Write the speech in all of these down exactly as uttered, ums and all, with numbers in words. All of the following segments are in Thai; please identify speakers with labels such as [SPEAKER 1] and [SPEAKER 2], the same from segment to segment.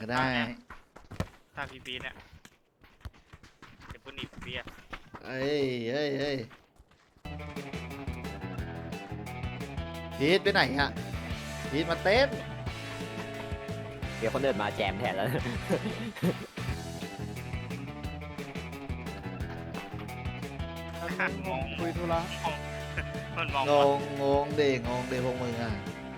[SPEAKER 1] ก็ได้
[SPEAKER 2] ถ้าพี่พีเนี่ยเดี๋ยวพูดหนีพี่อะ
[SPEAKER 1] เอ้ยเอ้ยเอ้ยพีทไปไหนอะพีทมาเต้น
[SPEAKER 3] เดี๋ยวคนเดินมาแจมแทนแล้ว
[SPEAKER 2] งง
[SPEAKER 4] คุยธุระ
[SPEAKER 2] มันมอง
[SPEAKER 1] งงงงเด้งงเด้พวกมึงอ่ะ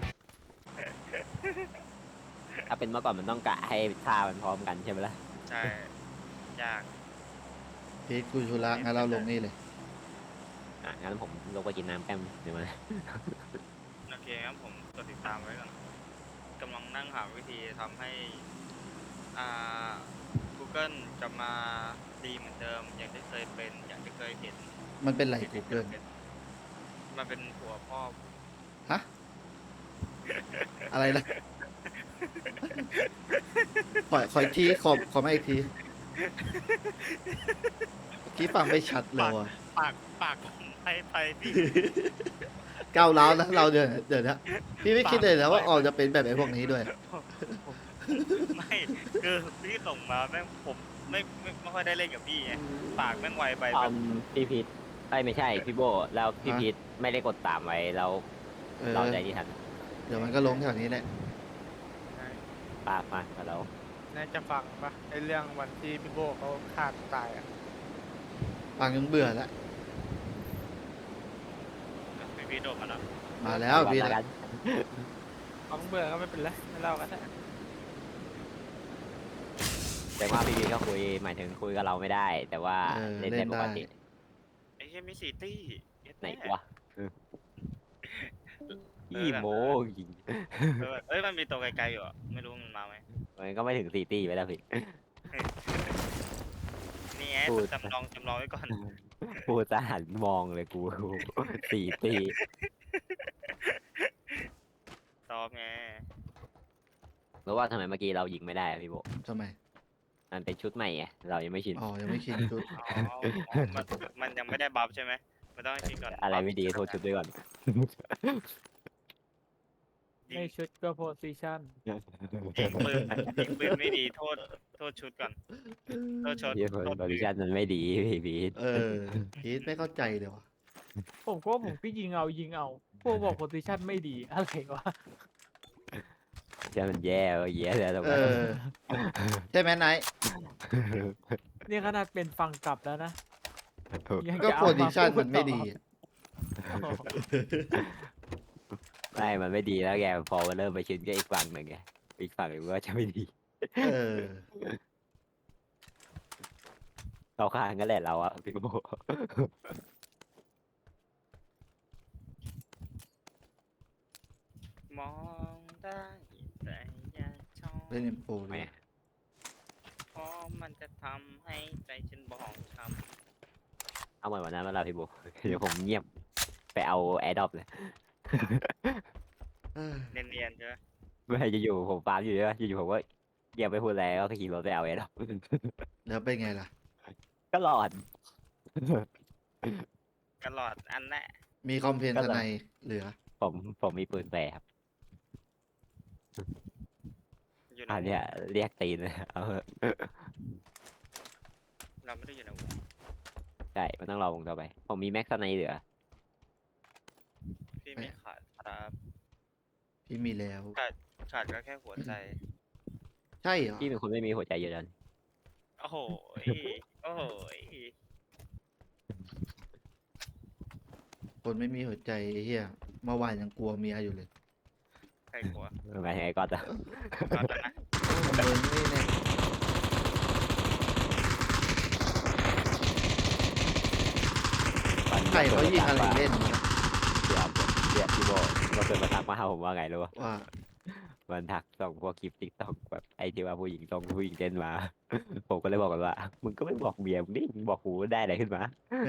[SPEAKER 3] ถ้าเป็นเมื่อก่อนมันต้องกะให้ท่ามันพร้อมกันใช่ไหมล่ะ
[SPEAKER 2] ใช่ยาก
[SPEAKER 1] พีทคุยธุระงั้นเราลงนี่เลย
[SPEAKER 3] อ่ะงั้นผมลงไปกินน้ำแป๊บเดี๋ยวมา
[SPEAKER 2] โอเคครับผมกดติดตามไว้ก่อนกำลังนั่งหาวิธีทำให้อ่า Google จะมาดีเหมือนเดิม อย่างที่เคยเป็นอย่างที่เคยเห็น
[SPEAKER 1] มันเป็นไรกูเกิล
[SPEAKER 2] มันเป็นหัวพ่อ
[SPEAKER 1] ฮะอะไรนะขอขออีกทีขอขอไม่อีกทีเมื่อกี้ฟังไม่ชัดเลยว่ะ
[SPEAKER 2] ปากปากผมไปไปพี่
[SPEAKER 1] ก้าวร้าวนะเราเดี๋ยวเดี๋ยวนะพี่ไม่คิดเลยนะว่าออกจะเป็นแบบไอ้พวกนี้ด้วย
[SPEAKER 2] ไม่คือพี่ส่งมาแม่งผมไม่ไม่ไม่ค่อยได้เล่นกับพี่ไงปากแม่งไวไป
[SPEAKER 3] ตอ
[SPEAKER 2] แบ
[SPEAKER 3] น
[SPEAKER 2] บ
[SPEAKER 3] พี่พีทไอ้ยไม่ใช่พี่โบแล้วพี่
[SPEAKER 1] ฮะ
[SPEAKER 3] พีทไม่ได้กดตามไว้แล้ว
[SPEAKER 1] เออ
[SPEAKER 3] เราใจที่ทัน
[SPEAKER 1] เดี๋ยวมันก็ลงแถวนี้แหละ
[SPEAKER 3] ปากมาแล้วเรา
[SPEAKER 4] นายจะฟังปะไอเรื่องวันที่พี่โบเขาฆ่าตัวตายอ่ะ
[SPEAKER 1] ฟังจนเบื่อแล้ว
[SPEAKER 2] พี่พี่โดดมาแล้ว
[SPEAKER 1] มาแล้วพี่
[SPEAKER 3] แล้วกัน
[SPEAKER 4] ฟังเบื่อก็ไม่เป็นไรไม่เล่ากันนะ
[SPEAKER 3] แต่ว่าพี่พีทก็คุยหมายถึงคุยกับเราไม่ได้ แต่ว่า
[SPEAKER 1] เออ
[SPEAKER 3] เล่น
[SPEAKER 1] เล่
[SPEAKER 3] ได้
[SPEAKER 1] น
[SPEAKER 3] ป
[SPEAKER 1] ได้
[SPEAKER 3] กติ
[SPEAKER 2] ไอ้เหี้ยมีสี่ตี้เย็ด
[SPEAKER 3] ไหน
[SPEAKER 2] แม่
[SPEAKER 3] วะเอออีโมยิง
[SPEAKER 2] เออเอ้ยมันมีตัวไกลๆอยู่อะไม่รู้มันมาไหม
[SPEAKER 3] มันก็ไม่ถึงสี่ตีไปแล้วพี่
[SPEAKER 2] นี่ไง
[SPEAKER 3] พูด
[SPEAKER 2] จำลองจำลองไว้ก่อน
[SPEAKER 3] พูดจะหันมองเลยกู สี่ตี
[SPEAKER 2] ซ้อมไง
[SPEAKER 3] รู้ว่าทำไมเมื่อกี้เรายิงไม่ได้อะพี่โบ
[SPEAKER 1] ทำไม
[SPEAKER 3] มันเป็นชุดใหม่ไงเรายังไม่ชิน
[SPEAKER 1] อ๋อยังไม่ชินชุด
[SPEAKER 2] อ๋ออ๋อมันมันยังไม่ได้บัฟใช่ไหมมันต้องให้ชินก่อน
[SPEAKER 3] อะไรไม่ดีโทษชุดด้วยก่อน
[SPEAKER 2] ยิ
[SPEAKER 4] ไม่
[SPEAKER 2] ง
[SPEAKER 4] ชุดก็โพสิชัน
[SPEAKER 2] ยิงปืนยิงปืนไม่ดีโทษโทษชุดก่อนโทษชุด
[SPEAKER 3] เยี่ย
[SPEAKER 2] โทษ
[SPEAKER 3] บริชันมันไม่ดีพี่พีท
[SPEAKER 1] เออพีทไม่เข้าใจเลยวะ
[SPEAKER 4] ผมก็ผมพี่ยิงเอายิงเอาพวกบอกโพสิชันไม่ดีอะไรวะ
[SPEAKER 3] ใช่มันแย่เว้ยแย่แล้วตรง
[SPEAKER 1] เอ
[SPEAKER 3] นั้น
[SPEAKER 1] อใช่ไหมไนท์
[SPEAKER 4] นี่ขนาดเป็นฟังกลับแล้วนะยัง
[SPEAKER 1] ก็
[SPEAKER 4] จะ
[SPEAKER 1] โพ
[SPEAKER 4] เอา
[SPEAKER 1] ซิ
[SPEAKER 4] มา
[SPEAKER 1] ชัน
[SPEAKER 4] พู
[SPEAKER 1] มั
[SPEAKER 4] ด
[SPEAKER 1] นไม่
[SPEAKER 4] ต่อ
[SPEAKER 1] ดีอะ
[SPEAKER 4] โอ้โห
[SPEAKER 3] ไม่มันไม่ดีแล้วแกพอมันเริ่มไปชินก็อีกฝั่งหนึ่งไงอีกฝั่งหนึ่งก็จะไม่ดี
[SPEAKER 1] เออ
[SPEAKER 3] เราข้างกันแหละเราอะพี่โบ
[SPEAKER 2] มองได้แต่อย่าชอบ
[SPEAKER 1] เล่นเอ็มโฟด้
[SPEAKER 3] ไม่
[SPEAKER 1] วย
[SPEAKER 2] เพราะมันจะทำให้ใจฉันบองช้
[SPEAKER 3] เอาเหมือนวันนั้นมาเราพี่โบ เดี๋ยวผมเงียบไปเอาแอร์ดรอปเลย
[SPEAKER 1] เออ
[SPEAKER 2] ำเนียนๆใช่ไหม
[SPEAKER 3] ไม่จะอยู่ผมฟาร์มอยู่ใช่ไหมอยู่ๆผมก็เงียบไปพูดแล้วก็ขี่รถไปเอาแอร์ดรอป
[SPEAKER 1] แล้วเป็นไงล่ะ
[SPEAKER 3] ก็รอด
[SPEAKER 2] ตลอดอันแน่
[SPEAKER 1] มีคอมเพลน
[SPEAKER 3] ก็
[SPEAKER 1] ท
[SPEAKER 3] เหรอ
[SPEAKER 1] นายเหลือ
[SPEAKER 3] ผมผมมีปืนแปรครับ
[SPEAKER 2] อยู่ใน
[SPEAKER 3] อัน
[SPEAKER 2] ว
[SPEAKER 3] เนี้
[SPEAKER 2] ง
[SPEAKER 3] ยเรียกตีนเลยเอาเถอะ
[SPEAKER 2] เราไม่ได้อยู่ในวง
[SPEAKER 3] ใช่มันต้องรอวงต่อไป ผมมีแม็กซ์ในเหลือ
[SPEAKER 2] พี่ไม่ขาดครับ
[SPEAKER 1] พี่มีแล้ว
[SPEAKER 2] ขาดก็แค่หัวใจ
[SPEAKER 1] ใช่เหรอ
[SPEAKER 3] พี่เป็นคนไม่มีหัวใจอยู่แล้วนี่
[SPEAKER 2] โอ้โหยโอ้โหย
[SPEAKER 1] คนไม่มีหัวใจไอ้เฮียเมื่อวานยังกลัวเมียอยู่เลย
[SPEAKER 2] ใครกลัว
[SPEAKER 3] หมายถึงไอ้ก๊อตอะ
[SPEAKER 2] ก็ตอนนะ
[SPEAKER 1] มึงนี่เนี่ย ใครเขายิงอะไรเล่นวะ
[SPEAKER 3] เดี๋ยวเดี๋ยวพี่โบเราเคยมาทักมาหาผมว่าไงรู้ป่ะ
[SPEAKER 1] ว่า
[SPEAKER 3] มันทักส่งพวกคลิปติ๊กต็อกแบบไอ้ที่ว่าผู้หญิงส่งผู้หญิงเต้นมา ผมก็เลยบอกกันว่า มึงก็ไม่บอกเมียมึงนี่มึงบอกกูได้อะไรขึ้นมา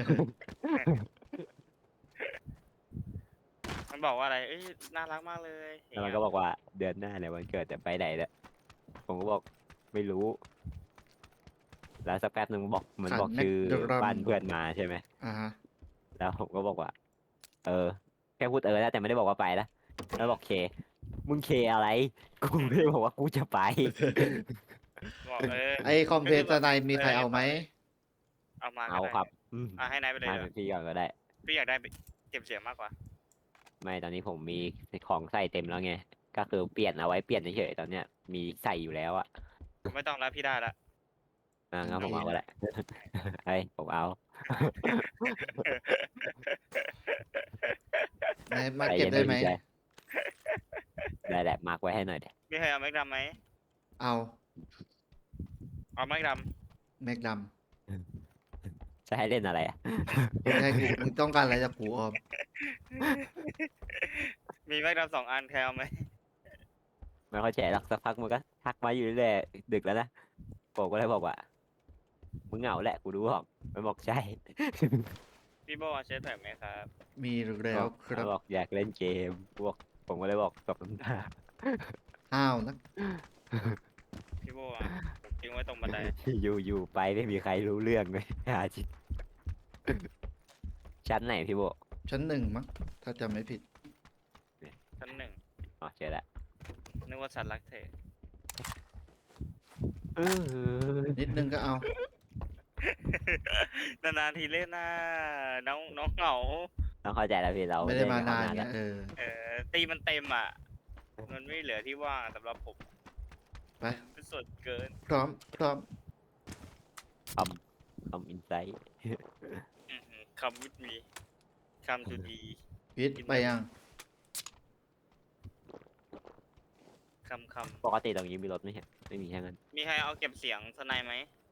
[SPEAKER 2] มันบอกว่าอะไร เอ้ย น่ารักมากเลย
[SPEAKER 3] แล้วมันก็บอกว่าเดือนหน้าเนี่ยวันเกิดจะไปไหนเนี่ยผมก็บอกไม่รู้ แล้วสักแป๊บนึงบอกเหมือนบอกชื่อบ้านเพื่อนมาใช่ไหม
[SPEAKER 1] อ่าฮะ
[SPEAKER 3] แล้วผมก็บอกว่า เออ แค่พูดเออแล้วแต่ไม่ได้บอกว่าไปนะแล้วบอกเค มึงเคอะไร กูไม่ได้บอกว่ากูจะไป
[SPEAKER 2] บอกเออ
[SPEAKER 1] ไอคอมเพลตนายมีใครเอาไหม
[SPEAKER 2] เอามาก็
[SPEAKER 3] เอา
[SPEAKER 2] ได้
[SPEAKER 3] ครับอืม
[SPEAKER 2] อ่ะให้นายไปเลย
[SPEAKER 3] ให้
[SPEAKER 2] เดี๋ยว
[SPEAKER 3] พี่ก่อนก็ได้
[SPEAKER 2] พี่อยากได้เก็บเสียงมากกว่า
[SPEAKER 3] ไม่ตอนนี้ผมมีของใส่เต็มแล้วไงก็คือเปลี่ยนเอาไว้เปลี่ยนเฉยๆตอนเนี้ยมีใส่อยู่แล้วอะ
[SPEAKER 2] ไม่ต้องแล้วพี่ได้ละ
[SPEAKER 3] อ่างั้นผมเอาก็ได้ เฮ้ยผมเอา
[SPEAKER 1] นายมา
[SPEAKER 3] ใจ
[SPEAKER 1] เก็บ
[SPEAKER 3] ย็น
[SPEAKER 1] ได้ไหม
[SPEAKER 3] พี่ชายได้แหละมาร์กไว้ให้หน่อยเดี๋ยว
[SPEAKER 2] มีใครเอาแม็กดำไหม
[SPEAKER 1] เอา
[SPEAKER 2] เอาแม็กด
[SPEAKER 1] แม็กด
[SPEAKER 3] จะให้เล่นอะไรอะ
[SPEAKER 1] ำมึงให้กูมึงต้องการอะไรจากกูออม
[SPEAKER 2] ำมีแม็กดำสองอันใครเอาไหม
[SPEAKER 3] ไม่เข้าใจหรอกสักพักมันก็ทักมาอยู่เรื่อยๆดึกแล้วนะผมก็เลยบอกว่ามึงเหงาแหละกูรู้หรอกมันบอกใช่
[SPEAKER 2] พี่โบเอาเชฟแท็กไหมครับ
[SPEAKER 1] มีแล้วค
[SPEAKER 3] มั
[SPEAKER 1] รับ
[SPEAKER 3] นบอกอยากเล่นเกมบอกผมก็เลยบอกตบน้ำตา
[SPEAKER 1] ห้าวนะ
[SPEAKER 2] พี่โบอ่ะผมทิ้งไว้ตรงบันได
[SPEAKER 3] อยู่อยู่ไปไม่มีใครรู้เรื่องเลย หาจิตชั้นไหนพี่โบ
[SPEAKER 1] ชั้นหนึ่งมั้งถ้าจำไม่ผิด
[SPEAKER 2] ชั้นหนึ่ง
[SPEAKER 3] อ๋อเจอละ
[SPEAKER 2] นึกว่าสัตว์รักเธอ
[SPEAKER 3] เออ
[SPEAKER 1] นิดนึงก็เอา
[SPEAKER 2] นานๆทีเล่นนะน้องน้องเหงา
[SPEAKER 3] ต้องเข้าใจแล้วพี่เรา
[SPEAKER 1] ไม่ได้
[SPEAKER 3] เล่
[SPEAKER 1] มานาน
[SPEAKER 3] กั
[SPEAKER 1] ไง
[SPEAKER 3] แล้ว
[SPEAKER 1] เออ
[SPEAKER 2] เออตีมันเต็มอ่ะ มันไม่เหลือที่ว่างสำหรับผม
[SPEAKER 1] ไป
[SPEAKER 2] เป็นส่วนเกิน
[SPEAKER 1] พร้อม พร้อม
[SPEAKER 3] คำคำอินไซต์
[SPEAKER 2] อื้อหือคำวิดมีคำจุดี
[SPEAKER 1] พิษไปยัง
[SPEAKER 2] คำค
[SPEAKER 3] ปกติตรงนี้มีรถไหมฮะไม่มีแค่นั้น
[SPEAKER 2] ำมีใครเอาเก็บเสียงสไนไหม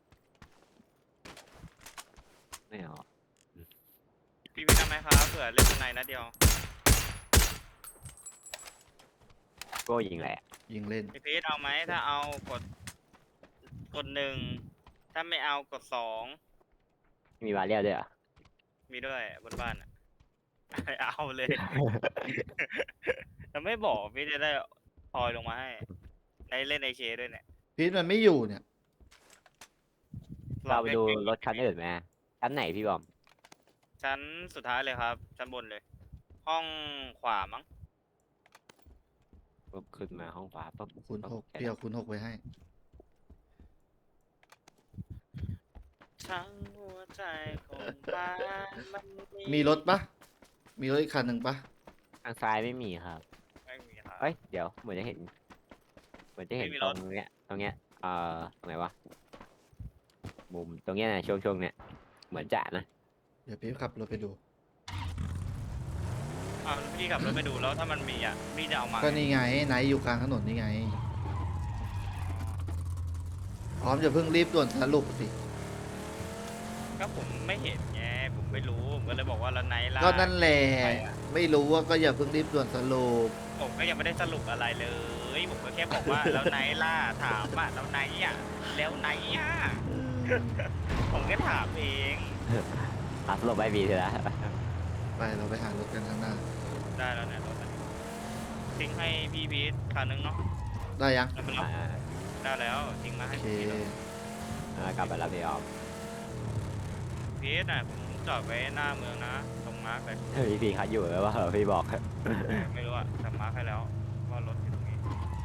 [SPEAKER 3] ไม่เอา
[SPEAKER 2] พี่พี่ทำไหมครับเผื่อเล่นสไนนะเดียว
[SPEAKER 3] ก็ยิงแหละ
[SPEAKER 1] ยิงเล่น
[SPEAKER 2] พี่พีทเอาไหมถ้าเอากดกดหนึ่งถ้าไม่เอากดสอง
[SPEAKER 3] มีบาเรียลด้วยเหรอ่ะ
[SPEAKER 2] มีด้วยบนบ้านอ่ะ เอาเลย แต่ไม่บอกพี่จะได้พลอยลงมาให้ได้เล่นไอเคด้วยเนี่ย
[SPEAKER 1] พิษมันไม่อยู่เนี่ย
[SPEAKER 3] เราไปดูรถคันอื่นไหมชั้นไหนพี่บอม
[SPEAKER 2] ชั้นสุดท้ายเลยครับ ชั้นบนเลย ห้องขวามั้ง
[SPEAKER 3] ปุ๊บขึ้นมาห้องขวาปุ๊บ
[SPEAKER 1] คูณหก
[SPEAKER 3] แค่
[SPEAKER 1] เดี๋ยวคูณหกไว้ให้
[SPEAKER 2] ทั้งหัวใจของบ้านมัน
[SPEAKER 1] มีรถปะมีรถอีกคันหนึ่งปะ
[SPEAKER 3] ทางซ้ายไม่มีครับ
[SPEAKER 2] ไม่มีครับ
[SPEAKER 3] เอ้ยเดี๋ยวเหมือนจะเห็น เหมือนจะเห็น
[SPEAKER 2] ไม่มี
[SPEAKER 3] ต
[SPEAKER 2] ร
[SPEAKER 3] ร
[SPEAKER 2] ถ
[SPEAKER 3] งเนี้ยตรงเนี้ยเอ่อตรงไหนวะมุมตรงเนี้ยนะช่วงช่วงเนี้ยเหมือนจะนะ
[SPEAKER 1] เดี๋ยวพี่ขับรถไปดู
[SPEAKER 2] อ้าวพี่ขับรถไปดูแล้วถ้ามันมีอ่ะพี่จะเอามา
[SPEAKER 1] ก็นี่ไงไนท์อยู่กลางถนนนี่ไง พร้อมจะเพิ่งรีบด่วนสรุปสิ
[SPEAKER 2] ก็ผมไม่เห็นไงผมไม่รู้ผมก็เลยบอกว่าแล้วไนท์ล่า
[SPEAKER 1] ก็นั่นแหละ
[SPEAKER 2] ไปอะ
[SPEAKER 1] ไม่รู้ว่าก็อย่าเพิ่งรีบด่วนสรุป
[SPEAKER 2] ผมก็ยังไม่ได้สรุปอะไรเลย ผมก็แค่บอกว่า แล้วไนท์ล่าถามว่าแล้วไนท์อ่ะแล้วไนท์อ่ะผมก็ถามเอง
[SPEAKER 3] อัพโหลดไปบีเถอะนะ
[SPEAKER 1] ไปเราไปหารถกันข้างหน้า
[SPEAKER 2] ได้แล้วเนี่ยรถมันทิ้งให้พี่พีทคันนึงเนาะ
[SPEAKER 1] ได้ยัง
[SPEAKER 2] แล้วมันรับ
[SPEAKER 3] อ่า
[SPEAKER 2] ได้แล้วทิ้งมา
[SPEAKER 1] โอ
[SPEAKER 2] ให้
[SPEAKER 1] เค
[SPEAKER 2] พี่พีท
[SPEAKER 3] อ่ากลับไปรับพี่ออม
[SPEAKER 2] พีทน่ะผมจอดไว้หน้าเมืองนะตรงมาร์กเลย
[SPEAKER 3] พี่พี่เขาอยู่แล้วว่าพี่บอก
[SPEAKER 2] ไม่รู้อะแต่มาร์กให้แล้วว่ารถอยู่ตรงนี้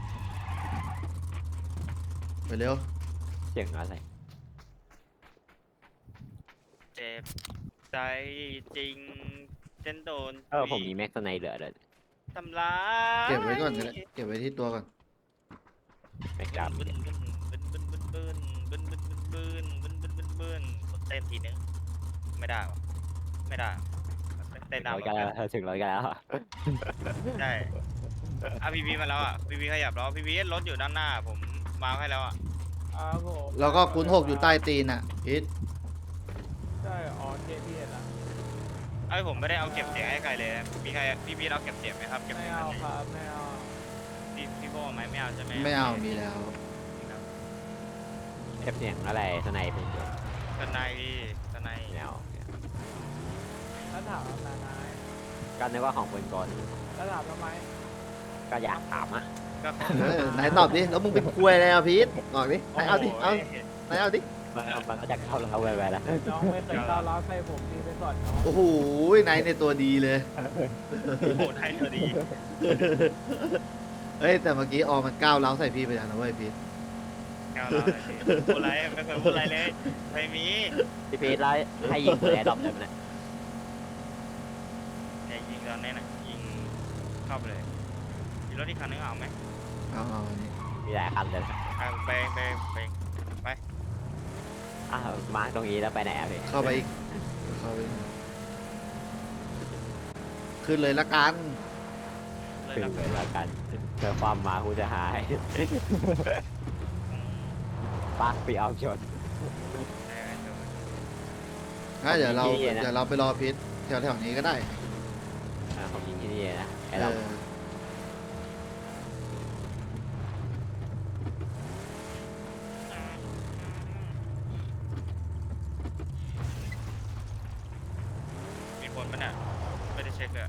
[SPEAKER 1] ไปเร็ว
[SPEAKER 3] เสียงอะไร
[SPEAKER 2] เจ็บใจจริงเช่นโดน
[SPEAKER 3] เออผมมีแม็กซ์ไนเหลือเลย
[SPEAKER 2] ทำร้าย
[SPEAKER 1] เก็บไว้ก่อนก็ได้เก็บไว้ที่ตัวก่อน
[SPEAKER 3] แม็กซ์
[SPEAKER 2] บึ้
[SPEAKER 3] ดำ
[SPEAKER 2] นบึ้นบึ้นบึ้นบึ้นบึ้นบึ้นบึ้นบึ้นบึ้นบึ้นบึ้นบึ้นบึ้นกดเต้นทีนึงไม่ได้วะไม่ได้เต้น
[SPEAKER 3] ถึง
[SPEAKER 2] ตาม
[SPEAKER 3] ร้อยกันแล้วถึงร้อยกันแล้ว
[SPEAKER 2] ใช่อ่ะพีพีมาแล้วอ่ะพีพีขยับแล้วพีพีรถอยู่ด้านหน้าผมมาร์คให้แล้วอ่ะ
[SPEAKER 4] ครับผม
[SPEAKER 1] แล้วก็คูณหกอยู่ใต้ตีนอ่ะพิษ
[SPEAKER 4] ใช่อ๋อเคพีเอ็ดนะ
[SPEAKER 2] ไอ้ยผมไม่ได้เอาเก็บเสียงให้ใครเลยมีใครพี่พีเอาเก็บเสียงไหมครับเก็บ
[SPEAKER 4] ไม่
[SPEAKER 2] เสียง
[SPEAKER 4] เอา
[SPEAKER 2] ให้
[SPEAKER 4] ครับไม่เอา
[SPEAKER 2] พี่พี่โบไหมไม่เอาใช่ไหม
[SPEAKER 1] ไม่เอามีแล้ว
[SPEAKER 3] เก็บเสียงอะไรสไนเป็นเดียว
[SPEAKER 2] กันในกันใน
[SPEAKER 3] แนว
[SPEAKER 4] แล้วถามนานาย
[SPEAKER 3] ก็นึกว่าของปืนกล
[SPEAKER 4] แล้วถามทำไม
[SPEAKER 3] ก็อยากถามอ่ะ
[SPEAKER 2] ก็
[SPEAKER 1] เออไหนตอบดิ แล้วมึงเป็นควยอะไรอ่ะพีทบอกดิไหนเอาดิ เอาไหนเอาดิ
[SPEAKER 3] มันมันก็จะเข้าเราไปไปแล้ว
[SPEAKER 4] น้องไม่เคยก้าวร้าวใส่ผมพี่ไปสอนน้อง
[SPEAKER 1] โอ้โหไหนในตัวดีเลย
[SPEAKER 2] โอ้โหไทยตัวดี
[SPEAKER 1] เฮ้ย แต่เมื่อกี้ออมมันก้าวเล้าวใส่พี่ไปแล้วนะเว้ยพีท
[SPEAKER 2] แกวเราเลยพี่พูดอะไรไม่เคยพูดอะไรเลยไม่มี
[SPEAKER 3] พี่พีทแล้วให้ยิงแอร์ดรอปเลยนะ
[SPEAKER 2] เนี่ยยิงตอนนี้นะยิงเข้าไปเลยมีรถอีกคันนึงเอาไหม
[SPEAKER 1] เอาเอาอันนี้
[SPEAKER 3] มีหลายคันเลย
[SPEAKER 2] อ่ะไปไปไปไป
[SPEAKER 3] อ้าวมาตรงนี้แล้วไปไหนอ่ะพี่
[SPEAKER 1] เข้าไปอีกเข้าไปอีกขึ้นเลยละกัน
[SPEAKER 2] เลย
[SPEAKER 3] ถึง
[SPEAKER 2] รับ
[SPEAKER 3] เลยแล้วกันเจอความมากูจะหาย ปักปีเอาชน
[SPEAKER 1] งั้นเดี๋ยวเรา
[SPEAKER 3] ผมยิงที่นี่นะ
[SPEAKER 1] เดี๋ยวเราไปรอพิษแถวๆนี้ก็ได้
[SPEAKER 3] อ่าผมยิงที่นี่นะไอ้
[SPEAKER 1] เอ
[SPEAKER 3] เรา
[SPEAKER 1] อ
[SPEAKER 2] มีคนปะเนี่ยไม่ได้เช็คเลย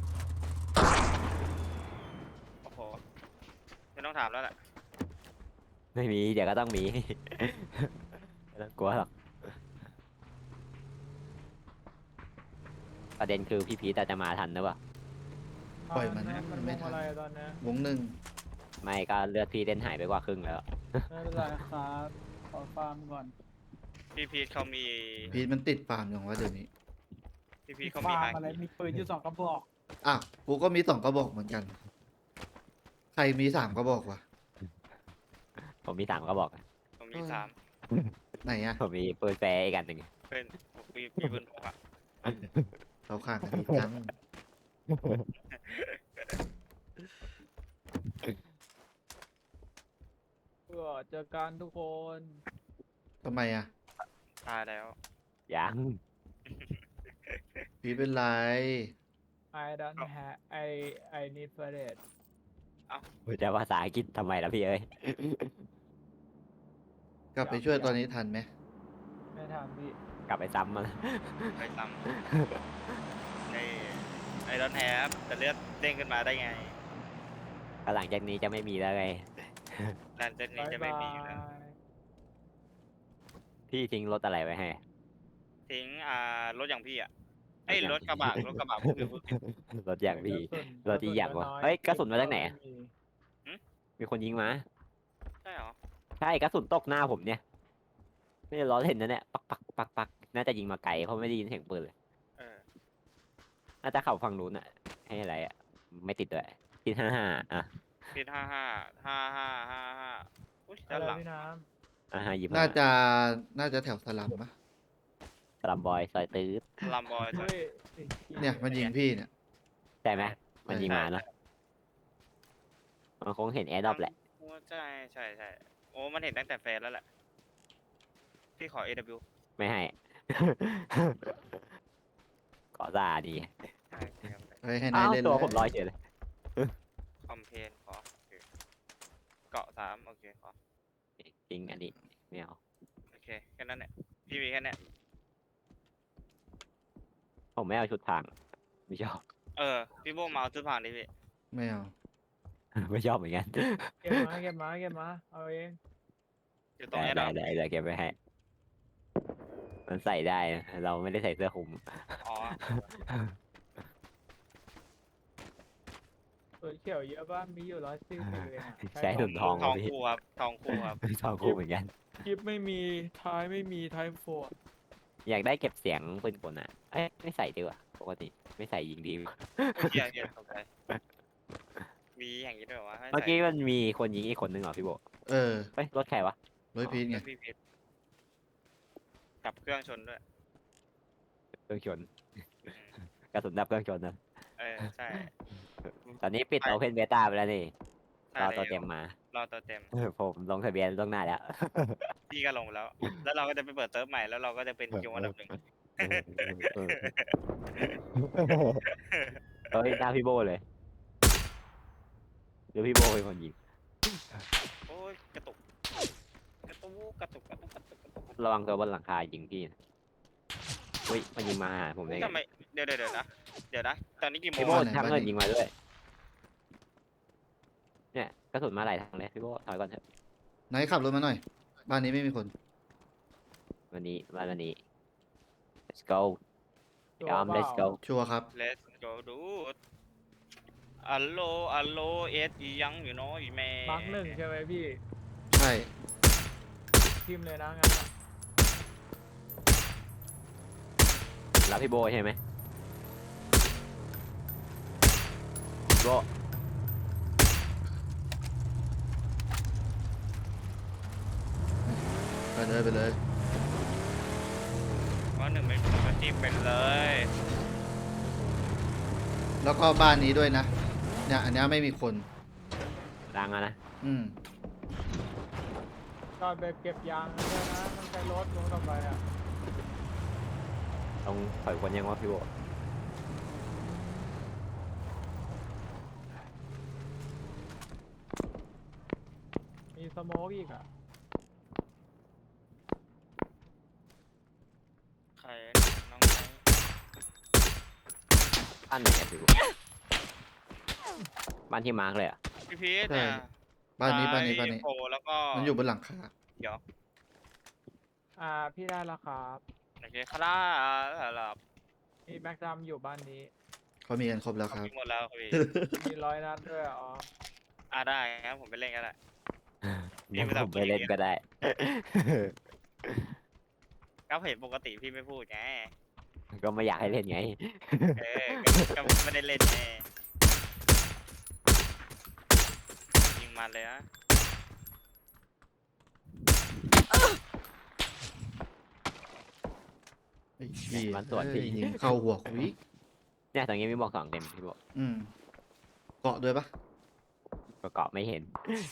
[SPEAKER 2] โอ้โหไม่ต้องถามแล้วแหละ
[SPEAKER 3] ไม่มีเดี๋ยวก็ต้องมี ไม่ต้องกลัวหรอกประเด็นคือพี่พีทจะมาทันหรือเปล่า
[SPEAKER 1] ปล่อยมัน
[SPEAKER 4] ตะมัน
[SPEAKER 1] ไม่
[SPEAKER 4] วง
[SPEAKER 1] ทัน
[SPEAKER 4] อะไรตอนเนี้ยว
[SPEAKER 1] งหนึ่ง
[SPEAKER 3] ไม่ก็เลือดพี่เล่นหายไปกว่าครึ่งแล้ว
[SPEAKER 4] ไม่เป็นไรครับขอฟาร์มก่อน
[SPEAKER 2] พี่พีทเขามี
[SPEAKER 1] พีทมันติดฟาร์มอย่างว่าเดี๋ยวนี้
[SPEAKER 2] พี่พีทเขามี
[SPEAKER 4] ฟา
[SPEAKER 2] ไฮ
[SPEAKER 4] ร์มอะไรมีปืนอยู่สองกระบอก
[SPEAKER 1] อ่ะกูก็มีสองกระบอกเหมือนกัน ใครมีสามกระบอกวะ
[SPEAKER 3] ผมมีสามก็บอก
[SPEAKER 2] ผมมีสาม
[SPEAKER 1] ไหนอะ
[SPEAKER 3] ผมมีปืนแฟร์อีกอันหนึ่ง
[SPEAKER 2] เป็นผมมีมีปืนพกอะ
[SPEAKER 1] เราขาดกันอีกจัง
[SPEAKER 4] เพื่อเจอกันทุกคน
[SPEAKER 1] ทำไมอะ
[SPEAKER 2] ตายแล้ว
[SPEAKER 3] ยัง
[SPEAKER 1] พีทเป็นไร
[SPEAKER 4] I don't have I I need for it
[SPEAKER 3] ผมจะภาษาอังกฤษทำไมล่ะพี่เอ้ย
[SPEAKER 1] กลับไปช่วยตอนนี้ทันไหม
[SPEAKER 4] ไม่ทำพี่
[SPEAKER 3] กลับไปซ้ำมาแล้ว
[SPEAKER 2] ไปซ้ำในไอรอนแฮปแต่เลือดเด้งขึ้นมาได้ไง
[SPEAKER 3] ก็หลังจากนี้จะไม่มีแล้วไง
[SPEAKER 2] ดันเจนนี้
[SPEAKER 4] บาย
[SPEAKER 2] จะไม่
[SPEAKER 4] บา
[SPEAKER 2] มีอยู่แล้ว
[SPEAKER 4] ย
[SPEAKER 3] พี่ทิ้งรถอะไรไว้ให้
[SPEAKER 2] ทิ้งอ่ารถอย่างพี่อ่ะไอ้ยรถกระบะรถกระบะพูดผิดพูดผิด
[SPEAKER 3] รถอย่างพี่
[SPEAKER 4] กระสุน
[SPEAKER 3] รถที่อยาก
[SPEAKER 4] กระ
[SPEAKER 3] วะ
[SPEAKER 4] สุน
[SPEAKER 3] เฮ้ยกระสุนมาจากไหน
[SPEAKER 4] ไม่มี
[SPEAKER 3] มีคนยิงมา
[SPEAKER 2] ใช่เหรอ
[SPEAKER 3] ใช่กระสุนตกหน้าผมเนี่ย ไม่ได้ล้อเล่นนะเนี่ยปักปักปักปักน่าจะยิงมาไกลเพราะไม่ได้ยินเสียงปืนเลย
[SPEAKER 2] เออ
[SPEAKER 3] น่าจะเข่าฝั่งนู้นอะให้อะไรอะไม่ติดด้วยติดห้าห้าอ่ะ
[SPEAKER 2] พีทห้าห้าห้าห้าห้าห้าอุ้ย
[SPEAKER 4] อะ
[SPEAKER 2] ด้าน
[SPEAKER 4] ไร
[SPEAKER 2] หลัง
[SPEAKER 4] พี่น้
[SPEAKER 3] อ่าห้ายิบ
[SPEAKER 1] น่าจะน่าจะแถวสลัมปะ
[SPEAKER 3] สลัมบอยซอยตื้อ
[SPEAKER 2] ลามบอย
[SPEAKER 4] ำเฮ้ยไอ้
[SPEAKER 1] เนี่ยมันยิงพี่เนี่ย
[SPEAKER 3] ใช่ไหมมันยิงมาเนาะมันคงเห็นแอร์ดรอปแหละ
[SPEAKER 2] ใช่ใช่ใช่โอ้มันเห็นตั้งแต่แฟนแล้วแหละพี่ขอ เอ ดับเบิลยู
[SPEAKER 3] ไม่ให้ ขอซาดี
[SPEAKER 2] ใช่ครับ
[SPEAKER 1] เฮ้ยให้นา
[SPEAKER 3] อ้า
[SPEAKER 1] ยว เล่น
[SPEAKER 3] ตัว
[SPEAKER 1] เลย
[SPEAKER 3] ผมลอยเฉยเลย
[SPEAKER 2] คอมเพนขอโอเคเกาะสามโอเคขอ
[SPEAKER 3] จริงอันนี้ไม่เอา
[SPEAKER 2] โอเคแค่นั้นแหละพี่มีแค่เนี้ย
[SPEAKER 3] ผมไม่เอาชุดทางไม่ชอบ
[SPEAKER 2] เออพี่โบมาเอาจุดผ่านดิพี่
[SPEAKER 1] ไม่เอา
[SPEAKER 3] ไม่ชอบเหมือนกัน
[SPEAKER 4] เก็บมาเก็บมาเก็บมาเอาเอง
[SPEAKER 2] อยู่ตรง
[SPEAKER 3] ได้
[SPEAKER 2] แอร์ด
[SPEAKER 3] ได้
[SPEAKER 2] อป
[SPEAKER 3] ได้เดี๋ยวเก็บไปให้ มันใส่ได้นะเราไม่ได้ใส่เสื้อคลุม
[SPEAKER 2] อ๋อ
[SPEAKER 4] ตัวเขียวเยอะป่ะมีอยู่ร้อยสี่สิบเองอะ
[SPEAKER 3] ใช้ถุงทอง
[SPEAKER 2] ทอง
[SPEAKER 3] พี่
[SPEAKER 2] คู่ครับทองคู่ครับ
[SPEAKER 3] ทองคู่เหมือนกัน
[SPEAKER 4] คลิปไม่มีท้ายไม่มีท้ายโฟร์
[SPEAKER 3] อยากได้เก็บเสียงปืนกลอ่ะเอ้ยไม่ใส่ดีกว่าปกติไม่ใส่ยิงดีกว่า
[SPEAKER 2] เฮียเฮียตกใจมีอย่างนี้ด้วยเหรอวะให้
[SPEAKER 3] เมื่อ
[SPEAKER 2] ใส่
[SPEAKER 3] กี้มันมีคนยิงอีกคนนึงเหรอพี่โบ
[SPEAKER 1] เออ
[SPEAKER 3] เฮ้ยรถใครวะ
[SPEAKER 1] ร้อยพีทไง
[SPEAKER 2] พี่พีทกลับเครื่องชนด้วย
[SPEAKER 3] เครื่องชน กระสุนดับเครื่องชนนะ
[SPEAKER 2] เออใช่
[SPEAKER 3] ตอนนี้ปิด
[SPEAKER 2] ไป
[SPEAKER 3] โอเพนเบต้าไปแล้วนี่
[SPEAKER 2] ใช่
[SPEAKER 3] รอตัว
[SPEAKER 2] แล้ว
[SPEAKER 3] เต็มมา
[SPEAKER 2] รอตัวเต็ม
[SPEAKER 3] ผมลงทะเบียนล่วงหน้าแล้ว
[SPEAKER 2] พี่ก็ลงแล้ว แล้วเราก็จะไปเปิดเติร์ฟใหม่แล้วเราก็จะเป็นคิวอันดับหนึ่ง
[SPEAKER 3] เฮ้ยหน้าพี่โบเลยเดี๋ยวพี่โบเป็นคนยิง
[SPEAKER 2] โอ้ยกระตุกกระตุกกระตุกกระตุกกระตุกกระตุก
[SPEAKER 3] ระวังตัวบนหลังคายิงพี่นะเฮ้ยมันยิงมาหาผมได้ไง
[SPEAKER 2] ทำไมเดี๋ยวเดี๋ยวเดี๋ยวนะเดี๋ยวนะตอนนี้กี่โม
[SPEAKER 3] พี่
[SPEAKER 2] ง
[SPEAKER 3] โบ
[SPEAKER 2] อะ
[SPEAKER 3] ทำเงินยิงมาด้วย เนี่ยกระสุนมาหลายทางเลยพี่โบถอยก่อนเถอะ
[SPEAKER 1] ไหนขับรถมาหน่อย บ้านนี้ไม่มีคน
[SPEAKER 3] วันนี้วันวันนี้ let's go
[SPEAKER 4] ตัว
[SPEAKER 3] ยอม
[SPEAKER 4] เปล่า
[SPEAKER 3] let's go
[SPEAKER 1] ชัวร์ครับ
[SPEAKER 2] เลสโกดูอัลโลอัลโลเอสอียังอยู่เนาะอีแม่
[SPEAKER 4] มาร์กหนึ่งใช่ไหมพี่
[SPEAKER 1] ใช่
[SPEAKER 4] พิมพ์เลยนะงั้นอะ
[SPEAKER 3] รับพี่โบใช่ไหมโบ
[SPEAKER 1] ไปเลยไปเลย
[SPEAKER 2] ว่าหนึ่งเป็นผมก็จีบเป็นเลย
[SPEAKER 1] แล้วก็บ้านนี้ด้วยนะเนี่ยอันเนี้ยไม่มีคน
[SPEAKER 3] ดังอะนะ
[SPEAKER 1] อืม
[SPEAKER 4] ตอนไปเก็บยางนะด้วยนะต้องใช้รถลงต่อไปอ่ะ
[SPEAKER 3] ต้องถอยคนยังว่าพี่โบ
[SPEAKER 4] มีสโมกอีกอ่ะ
[SPEAKER 2] ใครน้องไหน
[SPEAKER 3] บ้านไหนอะพี่โบบ้านที่มาร์กเลยอะ
[SPEAKER 2] พี่พีทเนี่ย
[SPEAKER 1] บ้านนี้บ้านนี้บ้านนี้
[SPEAKER 2] โผล่แล้วก็
[SPEAKER 1] มันอยู่บนหลังคา
[SPEAKER 2] เดี๋ยว
[SPEAKER 4] อ่าพี่ได้แล้วครับ
[SPEAKER 2] โอเคคาร่าหลับ
[SPEAKER 4] มีแม็กดัมอยู่บ้านนี้
[SPEAKER 1] เขามีกันครบแล้วครับ
[SPEAKER 2] หมดแล้วครับพี่
[SPEAKER 4] มีร้อยนัดด้วยอ๋อ
[SPEAKER 2] อ่าได้งั้นผมไปเล่นกันแหละ พี่
[SPEAKER 3] งั้น
[SPEAKER 2] ไม่ต้อง
[SPEAKER 3] ผมไปเล่น
[SPEAKER 2] พูดอย่างเงี้ย
[SPEAKER 3] ก็ได้
[SPEAKER 2] ก็เห็นปกติพี่ไม่พูดไง
[SPEAKER 3] ก็ไม่อยากให้เล่นไง
[SPEAKER 2] เออก็ก็ไม่ได้เล่นไงยิงมันเลยนะ
[SPEAKER 1] ไอ้เหี้ย
[SPEAKER 3] มันสวน
[SPEAKER 1] เอ้ย
[SPEAKER 3] พี่
[SPEAKER 1] ยิงเข้าหัวคุย
[SPEAKER 3] เนี่ยตรงนี้มีบอกสองเต็มพี่โบ
[SPEAKER 1] อืม เกาะด้วยปะ
[SPEAKER 3] ก็เกาะไม่เห็น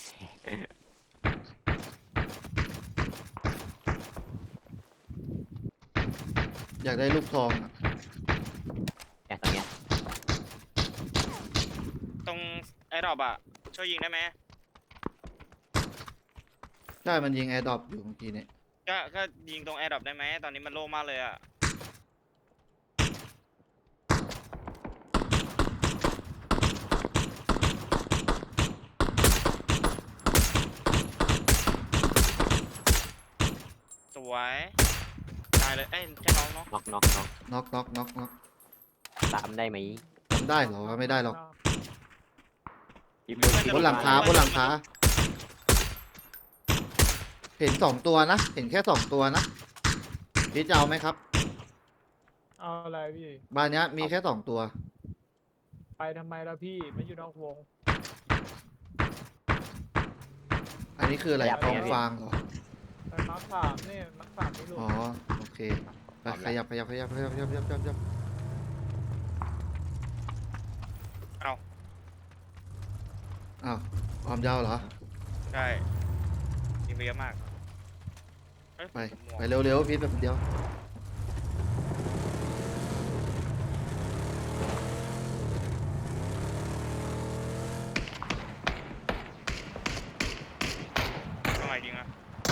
[SPEAKER 1] อยากได้ลูกทองอะ
[SPEAKER 3] เนี่ยตรงเนี้ย
[SPEAKER 2] ตรงไอ้ดอบอะช่วยยิงได้ไหม
[SPEAKER 1] ใช่มันยิงแอร์ดรอปอยู่เมื่อกี้เนี่ย
[SPEAKER 2] ก็ก็ยิงตรงแอร์ดรอปได้ไหมตอนนี้มันโล่งมากเลยอะสวยตายเลยเอ้ยแค่น้องเนาะ
[SPEAKER 3] น็อกน็อกน็อก
[SPEAKER 1] น็อกน็อกน็อกน็อก
[SPEAKER 3] ตามได้ไหม
[SPEAKER 1] ทำได้เหรอวะไม่ได้หรอก
[SPEAKER 3] พี่โบ
[SPEAKER 1] บนหลังคาบนหลังคา เห็นสองตัวนะ เห็นแค่สองตัวนะพี่จะเอาไหมครับ
[SPEAKER 4] เอาอะไรพี่
[SPEAKER 1] บ้านเนี้ยมีแค่สองตัว
[SPEAKER 4] ไปทำไมล่ะพี่ไม่อยู่นอกวง
[SPEAKER 1] อันนี้คืออะไรกองฟางเหรอ
[SPEAKER 4] ไปมาร์คสามเนี่ยมาร์คสามไม่รู้
[SPEAKER 1] อ๋อ โอเค ไปขยับขยับขยับขยับขยับขยับขยับขยับ
[SPEAKER 2] เอา
[SPEAKER 1] อ้าวความยาวเหรอ
[SPEAKER 2] ใช่ยิงไปเยอะมากเอ้ย
[SPEAKER 1] ไป
[SPEAKER 2] หมวก
[SPEAKER 1] ไปเร็วๆพีทแบบเดียว
[SPEAKER 2] ทำไมยิงอะ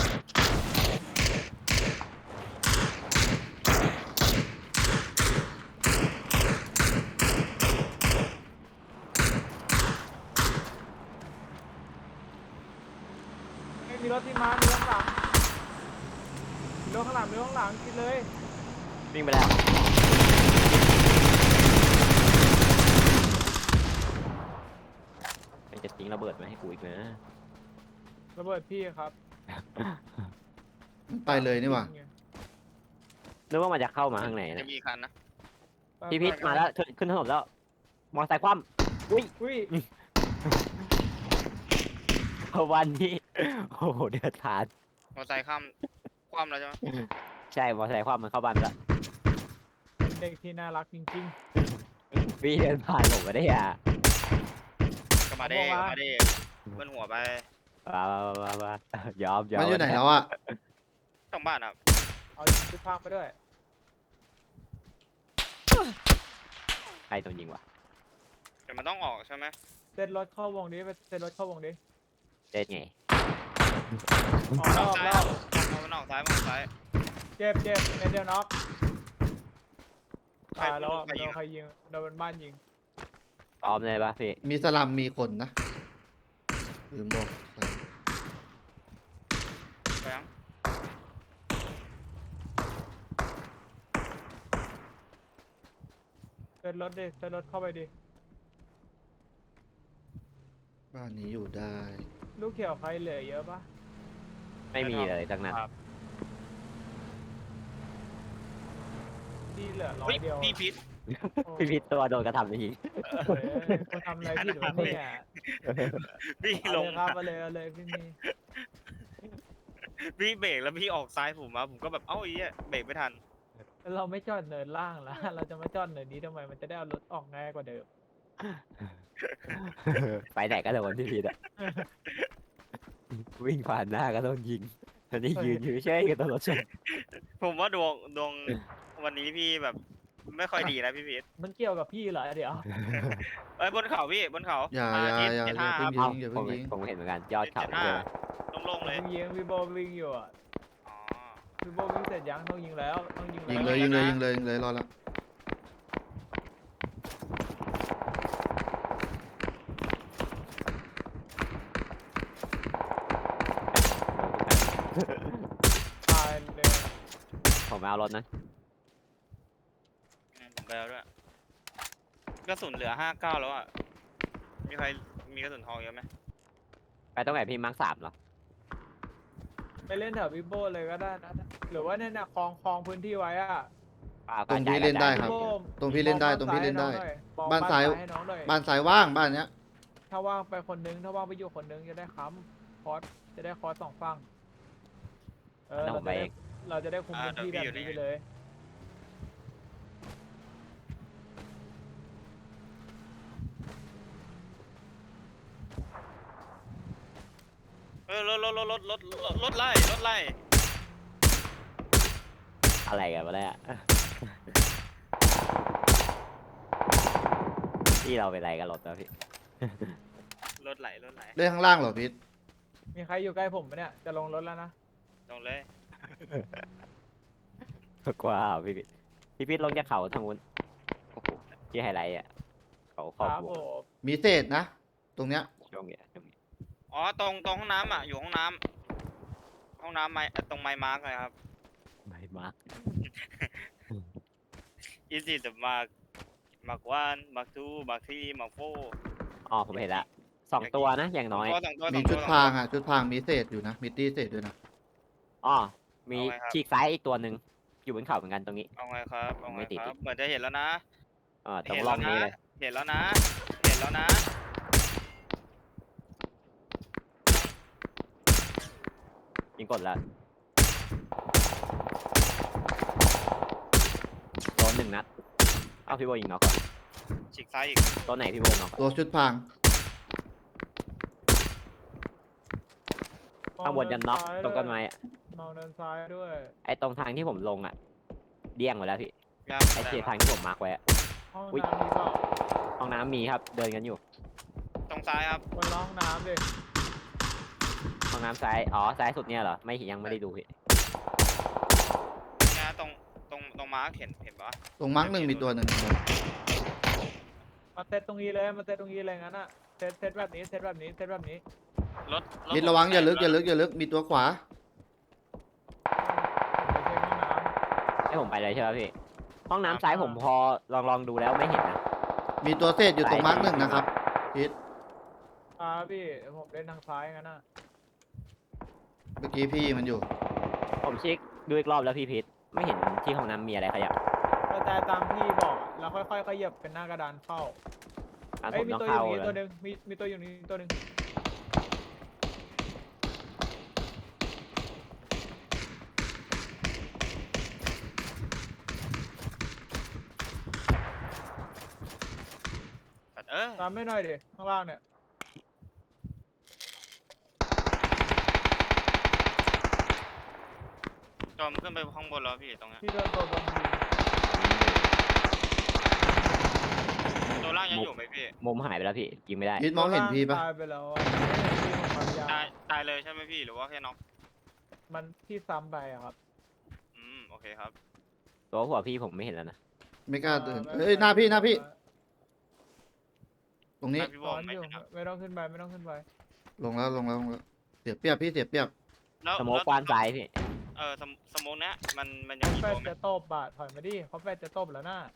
[SPEAKER 4] ไม่มีรถที่มามีรถข้างหลังมีรถข้างหลังมีรถข้างหลังกินเลย
[SPEAKER 3] วิ่งไปแล้ว มันจะทิ้งระเบิดมาให้กูอีกนะ
[SPEAKER 4] ระเบิดพี่ครับ
[SPEAKER 1] ไปเลยนี่หว่า
[SPEAKER 3] นึกว่ามันจะเข้ามาข้างใน
[SPEAKER 2] จะ
[SPEAKER 3] นะ
[SPEAKER 2] มีคันนะ
[SPEAKER 4] ไป
[SPEAKER 3] พี่พิษ
[SPEAKER 4] ไป
[SPEAKER 3] มาแล้วขึ้นขึ้นถนนแล้ว มอเตอร์ไซค์คว่ำอุ้ย
[SPEAKER 4] อุ้ย
[SPEAKER 3] วันนี้ โอ้โหเดือดทาน
[SPEAKER 2] มอเตอร์ไซค์ข้ามคว่ำแล้วใช่ไหม
[SPEAKER 3] ใช่มอเตอร์ไซค์คว่ำมันเข้าบ้านไปแล้ว
[SPEAKER 4] เป็นเด็กที่น่ารักจริง
[SPEAKER 3] พี่เดินผ่านผมมาได้อ่ะ
[SPEAKER 2] ก็มาเด้
[SPEAKER 4] บอก
[SPEAKER 2] ก็
[SPEAKER 4] ว่า
[SPEAKER 2] มาเด้เบิ้ลหัวไป
[SPEAKER 3] มามามามายอมยอม
[SPEAKER 1] มันอยู่ไหนแล้วอ่ะ
[SPEAKER 2] ต้องบ้านครับ
[SPEAKER 4] ๆ เอาชุดพรางไปด้วย
[SPEAKER 3] ใครโดนยิงวะ
[SPEAKER 2] เดี๋ยวมันต้องออกใช่ไหม
[SPEAKER 4] เซ็ตรถเข้าวงดิไปเซ็ตรถเข้าวงดิ
[SPEAKER 3] เล่นไง
[SPEAKER 4] ออกแล้วออก
[SPEAKER 2] ซ้าย
[SPEAKER 4] แล้ว
[SPEAKER 2] เอามันออกซ้ายมันออกซ้าย
[SPEAKER 4] เจ็บเจ็บเมเดียวน็อก
[SPEAKER 2] ใคร
[SPEAKER 4] ตายแล้วอะ
[SPEAKER 2] ใคร
[SPEAKER 4] โด
[SPEAKER 2] ยิง
[SPEAKER 4] นใครยิงโดนบ้านยิง
[SPEAKER 3] พร้อมเลยปะพี่
[SPEAKER 1] มีสลัมมีคนนะลืมบอก
[SPEAKER 2] ไปยัง
[SPEAKER 4] เซ็ตรถดิเซ็ตรถเข้าไปดิ
[SPEAKER 1] บ้านนี้อยู่ได้
[SPEAKER 4] ลูกเขียวใครเหลือเยอะปะ
[SPEAKER 3] ไม่มีเลยทั้งนั้น
[SPEAKER 4] ครับที่เหลือร้อ
[SPEAKER 2] เฮ้
[SPEAKER 4] ย
[SPEAKER 2] ย
[SPEAKER 4] เดียว
[SPEAKER 2] พี่พิษ
[SPEAKER 4] โอ้
[SPEAKER 3] พี่พิษตัวโดนกระทำจริง
[SPEAKER 4] เฮ้ยคนทำอะไรผิดวะเนี่ย
[SPEAKER 2] พี่
[SPEAKER 4] เอา
[SPEAKER 2] ล
[SPEAKER 4] เล
[SPEAKER 2] ง
[SPEAKER 4] ยครับเอาเลยเอาเลยพี่มี
[SPEAKER 2] พี่เบรกแล้วพี่ออกซ้ายผมมาผมก็แบบเอ้าไอ้เหี้ยเบรกไม่ทัน
[SPEAKER 4] เราไม่จอดเนินล่างแล้ว เราจะมาจอดเนินนี้ทำไมมันจะได้เอารถออกง่ายกว่าเดิม
[SPEAKER 3] ไปไหนก็โดนพี่พิษอะวิ่งผ่านหน้าก็โดนยิงอันนี้ยืนอยู่เฉยๆก็โดนรถชน
[SPEAKER 2] ผมว่าดวงดวงวันนี้พี่แบบไม่ค่อยดีนะพี่พิษ
[SPEAKER 4] มันเกี่ยวกับพี่เหรอเดี๋ยว
[SPEAKER 2] เอ้ยบนเขาพี่บนเขา
[SPEAKER 1] อย่า
[SPEAKER 2] อ่
[SPEAKER 1] อย่า
[SPEAKER 2] ทิศ
[SPEAKER 1] อย่า
[SPEAKER 2] เจ็ด
[SPEAKER 1] อย่า
[SPEAKER 2] ห้า
[SPEAKER 1] เพิ่ง
[SPEAKER 2] ครับ
[SPEAKER 1] ยิงอย่า
[SPEAKER 3] ผ
[SPEAKER 1] เพิ่
[SPEAKER 3] ม
[SPEAKER 1] งยิง
[SPEAKER 3] ผมเห็นเหมือนกันยอด
[SPEAKER 2] ทิศ
[SPEAKER 3] เขา
[SPEAKER 2] เจ็ดห้า
[SPEAKER 3] เลย
[SPEAKER 2] โล่งๆเลย
[SPEAKER 4] วิ่งยิงพี่โบวิ่งอยู่อ่ะ
[SPEAKER 2] อ๋อ
[SPEAKER 4] พี่โบวิ่งเสร็จยังต้องยิงแล้วต้องยิง
[SPEAKER 1] ยิง
[SPEAKER 4] แว
[SPEAKER 1] เลยยิงเลยยิงเลยยิงเลยรอละ
[SPEAKER 4] ตายเลย
[SPEAKER 3] ผมไม่เอารถนะ
[SPEAKER 2] อืมผมไปแล้วด้วยกระสุนเหลือห้าเก้าแล้วอ่ะมีใครมีกระสุนทองเยอะไหม
[SPEAKER 3] ไปตรงไหนพี่มาร์คสามเหรอ
[SPEAKER 4] ไปเล่นแถวพี่โบเลยก็ได้นะหรือว่าเนี่ยนะคลองคลองพื้นที่ไว้อ่ะ
[SPEAKER 3] ป้า
[SPEAKER 1] ตรงพี่เล่นได้ครับ ตรงพี่เล่นได้ตรงพี่เล่นได้
[SPEAKER 4] มอง
[SPEAKER 1] บ้านซ้าย
[SPEAKER 4] ให้น้องหน่อย
[SPEAKER 1] บ้านซ้ายว่างบ้านเนี้ย
[SPEAKER 4] ถ้าว่างไปคนนึงถ้าว่างไปอยู่คนนึงจะได้ค้ำคอร์สจะได้คอร์สสองฝั่งเออ
[SPEAKER 3] แล้วผ
[SPEAKER 4] เรา
[SPEAKER 3] มไป
[SPEAKER 4] จะได้
[SPEAKER 3] เอง
[SPEAKER 4] เราจะได้คุมพื้นที่แบบนี้ไปเลย
[SPEAKER 2] เออรถรถรถรถรถรถรถไล่รถไล่
[SPEAKER 3] อะไรกันวะเนี่ยที่เราเป็นอะไรกันรถนะพี่
[SPEAKER 2] รถไหลรถไหล
[SPEAKER 1] เล่นข้างล่างเหรอพีท
[SPEAKER 4] มีใครอยู่ใกล้ผมไหมเนี่ยจะลงรถแล้วนะ
[SPEAKER 2] ลงเลย
[SPEAKER 3] กว้าวพี่พิษพี่พิษลงจากเขาทางนู้นโอ้โหที่ไฮไลท์อ่ะเขาข
[SPEAKER 4] ค
[SPEAKER 3] อบ
[SPEAKER 4] รับ
[SPEAKER 3] ว
[SPEAKER 4] ผ
[SPEAKER 3] ง
[SPEAKER 4] ม
[SPEAKER 1] มีเศษนะ ตรงเนี้ย
[SPEAKER 3] ช่วงเนี้ยช่วงนี้
[SPEAKER 2] อ๋อตรงตรงห้องน้ำอ่ะอยู่ห้องน้ำห้องน้ำไม้ตรงไม้มาร์กเลยครับ
[SPEAKER 3] ไม่มาร์ค
[SPEAKER 2] อีซี่จะมาร์กมาร์กวันมาร์กทูมาร์กทรีมาร์กโฟ
[SPEAKER 3] อ๋อผมเห็นละสองตัวนะอย่างน้อย
[SPEAKER 2] สองตัวส
[SPEAKER 1] มี
[SPEAKER 2] องตัว
[SPEAKER 1] ชุด
[SPEAKER 2] สอง
[SPEAKER 1] พราง
[SPEAKER 2] ตัว
[SPEAKER 1] อ่ะ ชุดพรางมีเศษอยู่นะ มีตีเศษด้วยนะ
[SPEAKER 3] อ๋อมี
[SPEAKER 2] เอาไงครับ
[SPEAKER 3] ฉีกซ้ายอีกตัวหนึ่งอยู่บนเขาเหมือนกันตรงนี้
[SPEAKER 2] เอาไงครับเอาไง
[SPEAKER 3] ไม่ติด
[SPEAKER 2] ครับเหมือนจะเห็นแล้วนะ
[SPEAKER 3] เออตรง
[SPEAKER 2] เห็น
[SPEAKER 3] ร่
[SPEAKER 2] แล้
[SPEAKER 3] อ
[SPEAKER 2] ว
[SPEAKER 3] ง
[SPEAKER 2] นะ
[SPEAKER 3] นี้เลย
[SPEAKER 2] เห็นแล้วนะ เห็นแล้วนะ
[SPEAKER 3] ยิงกดแล้วโดนหนึ่งนัดเอาพี่โบยิงน็อกก่อน
[SPEAKER 2] ฉีกซ้ายอีก
[SPEAKER 3] ตัวไหนพี่โบน็อกก่อน
[SPEAKER 1] ตัวชุดพราง
[SPEAKER 3] ข้างบนยันน็อกตรงต้นไม้อะ
[SPEAKER 4] มองเดินซ้ายด้วย
[SPEAKER 3] ไอ้ตรงทางที่ผมลงอ่ะเดี้ยงหมดแล้วพี่
[SPEAKER 2] ยาม
[SPEAKER 3] ไอ้
[SPEAKER 2] ได้
[SPEAKER 3] เจ
[SPEAKER 2] ปะ
[SPEAKER 3] ทางที่ผมมาร์คไว้อะ
[SPEAKER 4] ห้อง
[SPEAKER 3] อุ๊ย
[SPEAKER 4] น้ำมีเปล่า
[SPEAKER 3] ห้องน้ำมีครับเดินกันอยู่
[SPEAKER 2] ตรงซ้ายครับ
[SPEAKER 4] บนห้องน้ำดิ
[SPEAKER 3] ห้องน้ำซ้ายอ๋อซ้ายสุดเนี่ยเหรอไม่ยังไม่ได้ดูพี่
[SPEAKER 2] เนี่ยตรงตรงตรงมาร์กเห็นเห็นปะ
[SPEAKER 1] ตรงมาร์กหนึ่งมีตัวหนึ่ง
[SPEAKER 4] มาเซตตรงนี้เลยมาเซตตรงนี้เลยงั้นอ่ะเซตเซตแบบนี้เซตแบบนี้เซตแบบนี้
[SPEAKER 2] รถถ
[SPEAKER 1] พีทระวังอย่าลึกอย่าลึกอย่าลึก มีตัวขวา
[SPEAKER 4] ผมไปเช็คห้องน้
[SPEAKER 3] ให้ผมไปเลยใช่ไหมพี่ห้องน้ำซ้ายผมพอลองลองดูแล้วไม่เห็นนะ
[SPEAKER 1] มีตัวเศษอยู่ตรงมาร์กหนึ่งนะครับพีท
[SPEAKER 4] ำอ่าพี่เดี๋ยวผมเล่นทางซ้ายงั้นอ่ะ
[SPEAKER 1] เมื่อกี้พี่มันอยู่
[SPEAKER 3] ผมเช็คดูอีกรอบแล้วพี่พิษไม่เห็นที่ห้องน้ำมีอะไรขยับ
[SPEAKER 4] กระจายตามที่บอกอะแล้วค่อยๆขยับเป็นหน้ากระดานเข้า
[SPEAKER 3] อ่ะผ
[SPEAKER 4] เอ้ย
[SPEAKER 3] ม
[SPEAKER 4] มี
[SPEAKER 3] ต้อง
[SPEAKER 4] ตัวอ
[SPEAKER 3] เข้า
[SPEAKER 4] ยู่นี่
[SPEAKER 3] เล
[SPEAKER 4] ตัวย หนึ่งมีมีตัวอยู่นี่ตัวหนึ่ง
[SPEAKER 2] เออ
[SPEAKER 4] ตามไม่หน่อยดิข้างล่างเนี่ย
[SPEAKER 2] จอมขึ้นไปข้างบนแล้วพี่ตรงเนี้ย
[SPEAKER 4] ที่โดนตัวบอลยิง
[SPEAKER 2] ตัวล่างยังอยู่ไหมพี่
[SPEAKER 3] มุมหายไปแล้วพี่ยิงไม่ได้
[SPEAKER 1] พีทมองเห็นพี่ปะ
[SPEAKER 4] ตายไปแล้วอะไม่เห็นพี่ของความยาว
[SPEAKER 2] ตายตายเลยใช่ไหมพี่หรือว่าแค่น็อก
[SPEAKER 4] มันที่ซ้ำไปอะครับ
[SPEAKER 2] อืมโอเคครับ
[SPEAKER 3] ตัวหัวพี่ผมไม่เห็นแล้วนะ
[SPEAKER 1] ไม่กล้าเดิน
[SPEAKER 4] ไม่
[SPEAKER 1] เอ้ยหน้าพี่หน้าพี่ ตรงนี้
[SPEAKER 2] หน้าพี่
[SPEAKER 4] ส
[SPEAKER 2] วอ
[SPEAKER 4] อ
[SPEAKER 2] ม
[SPEAKER 4] น
[SPEAKER 2] ไม่
[SPEAKER 4] อยู่
[SPEAKER 2] ใช่นะ
[SPEAKER 4] ไม่ต้องขึ้นไปไม่ต้องขึ้นไป
[SPEAKER 1] ลงแล้วลงแล้วลงแล้ว เสียเปรียบพี่เสียเปรียบ
[SPEAKER 2] แล้ว
[SPEAKER 3] สโมก
[SPEAKER 2] แล้ว
[SPEAKER 3] กว้านซ้ายพี่
[SPEAKER 2] เออสมสโมกเนี้ยมันมันยังมี
[SPEAKER 4] แฟ
[SPEAKER 2] ตั
[SPEAKER 4] ด
[SPEAKER 2] วไหม
[SPEAKER 4] จะตบบาทถอยมาดิเขาแฟดจะตบแล้วน่ะ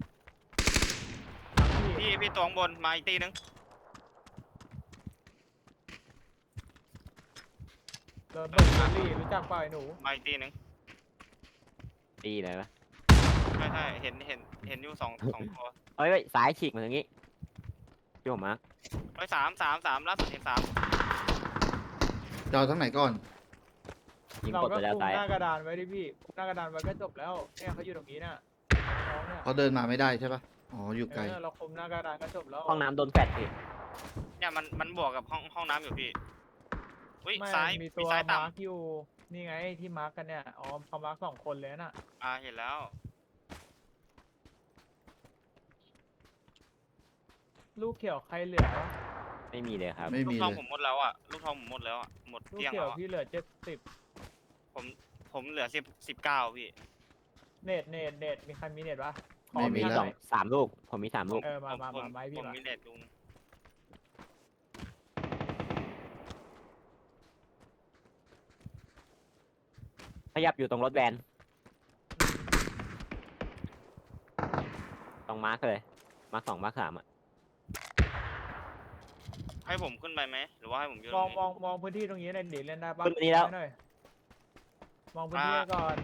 [SPEAKER 4] พี่
[SPEAKER 2] พี่พี่ตัวข้างบนมาอีกตีนึง
[SPEAKER 4] โรเบิร์ตเบลลี่รู้จักเปล่าไอ้หนู
[SPEAKER 2] มาอีกทีหนึง
[SPEAKER 3] ตีเลยปะ
[SPEAKER 2] ใช่ใช่เห็นเห็นเห็นอยู่สองสองตัว
[SPEAKER 3] เอ้ยเฮ้ยซ้ายฉีกมาทางนี้พี่ผมมาร์ค
[SPEAKER 2] ไปสามสามสามล่าสุดเห็นสาม
[SPEAKER 1] จะเอาทั้งไหนก่อน
[SPEAKER 3] ยิง
[SPEAKER 4] เรา
[SPEAKER 3] กด
[SPEAKER 4] ก็
[SPEAKER 3] ไปแล้ว
[SPEAKER 4] คุม
[SPEAKER 3] ซ้าย
[SPEAKER 4] หน้ากระดานไว้ดิพี่คุมหน้ากระดานไว้ก็จบแล้วเนี่ยเขาอยู่ตรงนี้น่ะน้องเนี่ย
[SPEAKER 1] เขาเดินมาไม่ได้ใช่ปะอ๋ออยู่ไกล
[SPEAKER 4] เออเราคุมหน้ากระดานก็จบแล้ว
[SPEAKER 3] ห้องน้ำโดนแฟดพี่
[SPEAKER 2] เนี่ยมันมันบวกกับห้องห้องน้ำอยู่พี่อุ้ย
[SPEAKER 4] ไม่
[SPEAKER 2] ซ้าย
[SPEAKER 4] มี
[SPEAKER 2] มี
[SPEAKER 4] ตัว
[SPEAKER 2] ซ้ายต่
[SPEAKER 4] มาร์กอยู่นี่ไงที่มาร์กกันเนี่ยอ๋อเขามาร์กสองคนเลยน่ะ
[SPEAKER 2] ำอ่าเห็นแล้ว
[SPEAKER 4] ลูกเขียวใครเหลือ
[SPEAKER 3] ไม่มีเลยครับ
[SPEAKER 1] ไม่
[SPEAKER 2] ลู
[SPEAKER 1] มี
[SPEAKER 2] กทอง
[SPEAKER 1] เลย
[SPEAKER 2] ผมหมดแล้วอ่ะลูกทองผมหมดแล้วอ่ะหมด
[SPEAKER 4] ลูก
[SPEAKER 2] เกลี้ยง
[SPEAKER 4] เขีย
[SPEAKER 2] แล้ว วอะ
[SPEAKER 4] พี่เหลือเจ็ดสิบ
[SPEAKER 2] ผมผมเหลือสิบสิบเก้าพี่
[SPEAKER 4] เนตเนตเนตมีใครมีเนตปะขอ
[SPEAKER 1] ไม่มี
[SPEAKER 3] มี
[SPEAKER 1] แล้ว
[SPEAKER 3] สองสามลูก ผมมีสามลูก
[SPEAKER 4] เออมามา
[SPEAKER 2] ผม
[SPEAKER 4] มาไม้พี่
[SPEAKER 2] ผม
[SPEAKER 4] มา
[SPEAKER 2] มีเน็ตลุง
[SPEAKER 3] ขยับอยู่ตรงรถแวนตรงมาร์คเลย มาร์คสองมาร์คสามอ่ะ
[SPEAKER 2] ให้ผมขึ้นไปไหมหรือว่าให้ผมยืน
[SPEAKER 4] มอง
[SPEAKER 2] ตรง
[SPEAKER 4] ม
[SPEAKER 2] นี้
[SPEAKER 4] องมองพื้นที่ตรงนี้หน่อยดิเล่นได้ปะ
[SPEAKER 3] ขึ้นมานี่แล้ว
[SPEAKER 4] หน่อยมองพื้นที่ก่อน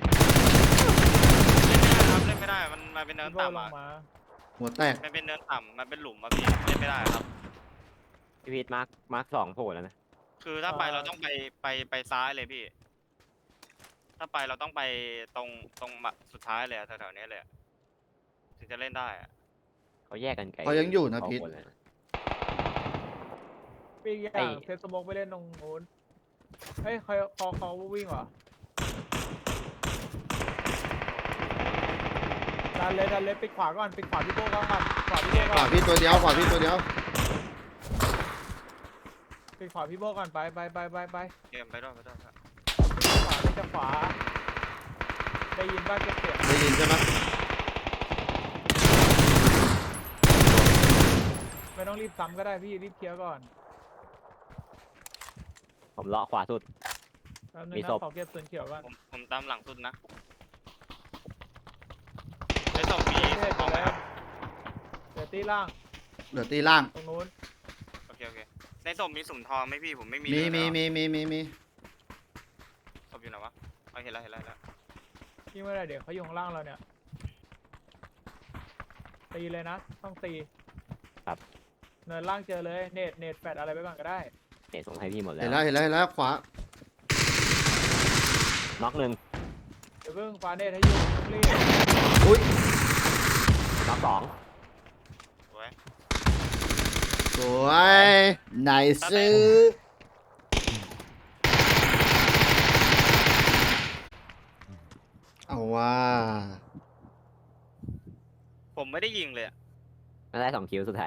[SPEAKER 2] เล่นไม่ได้ครับเล่นไม่ได้มันมันเป็นเนิน
[SPEAKER 4] พี่โบล
[SPEAKER 2] ต่ำ
[SPEAKER 4] ง
[SPEAKER 2] อ่ะ
[SPEAKER 4] มา
[SPEAKER 1] หัวแตก
[SPEAKER 2] มันเป็นเนินต่ำมันเป็นหลุมอ่ะพี่เล่นไม่ได้ครับ
[SPEAKER 3] พี่พีทมาร์คมาร์คสองโผล่แล้วนะ
[SPEAKER 2] คือถ้าไปเราต้องไปไปไปซ้ายเลยพี่ ถ้าไปเราต้องไปตรงตรงมาสุดท้ายเลยอะแถวๆนี้เลยอะถึงจะเล่นได้อะ
[SPEAKER 3] เขาแยกกันไกล
[SPEAKER 1] เขายังอยู่นะ
[SPEAKER 3] สง
[SPEAKER 1] พีท
[SPEAKER 3] คนเลย
[SPEAKER 4] ปีกอ
[SPEAKER 3] ไอ้
[SPEAKER 4] ย่างเซตสโมกไปเล่นตรงนู้นเฮ้ยเขาเขาเขาวิ่งเหรอดันเลยดันเลยปิดขวาก่อนปิดขวาพี่โบก่อนขวาพี่โบ
[SPEAKER 1] ข
[SPEAKER 4] ก่
[SPEAKER 1] วา
[SPEAKER 4] อน
[SPEAKER 1] พี่ตัวเดียวขวาพี่ตัวเดียว
[SPEAKER 4] ปิดขวาพี่โบก่อนไปไปไปไปไป
[SPEAKER 2] เกมไปด้วยไปด้วยครับ
[SPEAKER 4] ขวาไม่จะขวาได้ยินบ้างเก็บเสียง
[SPEAKER 1] ได้ยินใช่ไหม
[SPEAKER 4] ไม่ต้องรีบซ้ำก็ได้พี่รีบเคลียร์ก่อน
[SPEAKER 3] ผมเลาะขวาสุด
[SPEAKER 4] แป๊บนึง
[SPEAKER 3] มี
[SPEAKER 4] นะ
[SPEAKER 3] ศพ
[SPEAKER 4] ขอเก็บส่วนเขียวก่อน
[SPEAKER 2] ผมผมตามหลังสุดนะไอ้ศพมี
[SPEAKER 4] เท
[SPEAKER 2] ศ
[SPEAKER 4] ศ
[SPEAKER 2] พทองไหม
[SPEAKER 4] แล้
[SPEAKER 2] คว รับ
[SPEAKER 4] เดี๋ยวตีล่าง
[SPEAKER 1] เหลือตีล่าง
[SPEAKER 4] ตรงนู้น
[SPEAKER 2] โอเคโอเคในศพมีสุ่มทองไหมพี่ผมไม่มี
[SPEAKER 1] มี
[SPEAKER 2] เลย
[SPEAKER 1] มี
[SPEAKER 2] แล้ว
[SPEAKER 1] มีมีมีมี
[SPEAKER 2] ศพอยู่ไหนวะเอาเห็นแล้วเห็นแล้วเห็นแล้ว
[SPEAKER 4] ยิ่งไม่ได้เดี๋ยวเขาอยู่ข้างล่างเราเนี่ยตีเลยนะต้องตี
[SPEAKER 3] ครับ
[SPEAKER 4] เนินล่างเจอเลยเนตเนตแฟดอะไรไปก่อนก็ได้
[SPEAKER 3] เตะส่งให้พี่หมดแล้
[SPEAKER 1] เห็น
[SPEAKER 3] ว
[SPEAKER 1] แล้วเห็นแล้วเห็นแล้วขวา
[SPEAKER 3] น็อกหนึ่ง
[SPEAKER 4] เดี๋ยวเพิ่งฟาเนตให้อยู่รีบ
[SPEAKER 1] อุ้ย
[SPEAKER 3] น็อกสอง
[SPEAKER 2] สวย
[SPEAKER 1] สวยไหนซื้อเอาว่า
[SPEAKER 2] ผมไม่ได้ยิงเลยอะ
[SPEAKER 3] ได้สองคิวสุดท้าย